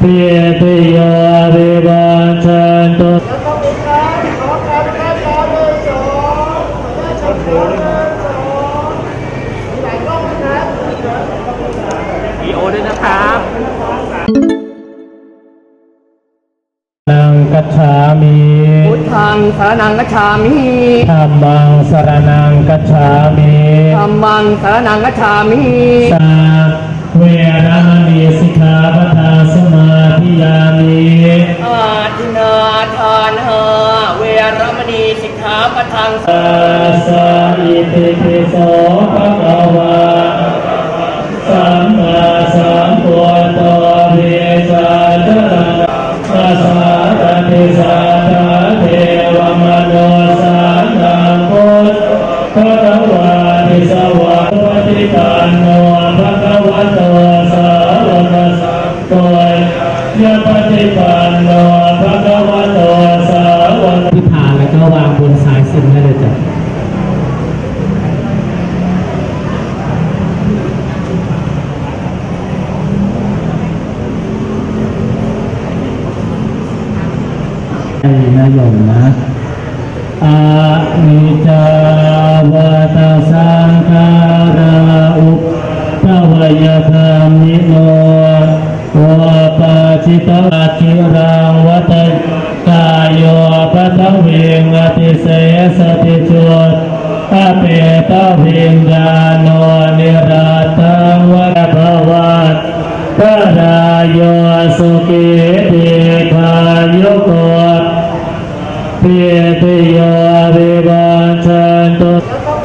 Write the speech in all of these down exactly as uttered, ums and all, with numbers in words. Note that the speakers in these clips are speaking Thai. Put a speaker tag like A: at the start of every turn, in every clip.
A: พิติโยวิวัชชันตุ
B: วีโอด้วยนะครับ
A: นังกัจฉามิ
B: พุทธังสารนังกัจฉามิ
A: ธัมมังสรณังกัจฉามิ
B: ธัมมังสารนังกัจฉามิ
A: สาเวรมณีสิกขาปะทาสมาธิยามิ
B: อาทินาทานหาเวรมณีสิกขาปะทัง
A: อาสาอิติปิโสภะคะวะสัมมาสัมพุทโธเวสาจรังอาสาตติสัทธาเทวมโนสานังพุทธะวาทิสวะปฏิปันโนภะคะวะโตสาวกสังโฆยะปฏิปันโนภะคะวะโตสาวกที่ผ่านแล้วก็วางบนสายสิญจน์ได้เลยจ้ะนี่นะโยมนะอานิจจาวตาสังขาราอุปทวยธรรมิโนวาปาจิตาจิรังวัตกายโยปัทวิงอติเสสติจุตอเปตวิญญาโนนิราตังวะภวัตตรายโยสุขิติขายุโกพิติโยวิวัชชันตุ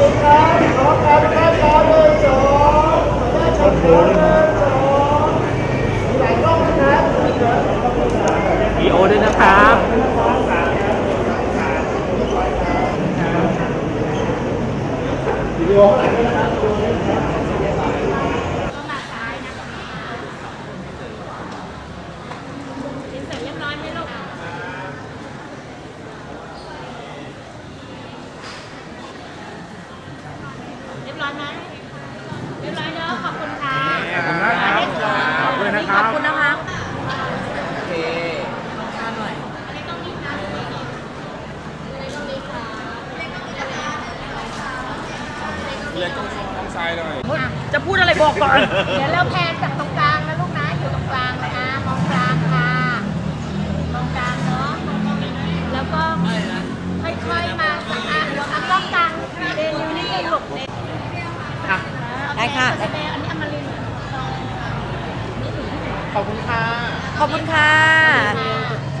B: วีโอด้วยนะครับ
C: เสร็จเรียบร้อยไหมลูกเรียบร้อยไหมเรียบร้อยเนอะขอบคุณค่ะขอบคุณนะครับขอบคุณนะครับขอบคุณนะคะโอเคทานหน่อยอันนี้ต้องมีนะอันนี้ต้องมีค่ะเลยต้องต้องทรายหน่อยจะพูดอะไรบอกก่อนเดี๋ยวเราแพนจากตรงกลางนะลูกนะอยู่ตรงกลางเลยนะมองกลางค่ะมองกลางเนาะแล้วก็ค่อยๆมาสักอ่ะเดี๋ยวอันกล้องกลางเดนิวนี่หลบเลยได้ค่ะอันนี้อมรินทร์
B: ขอบคุณค่ะ
C: ขอบคุณค่ะ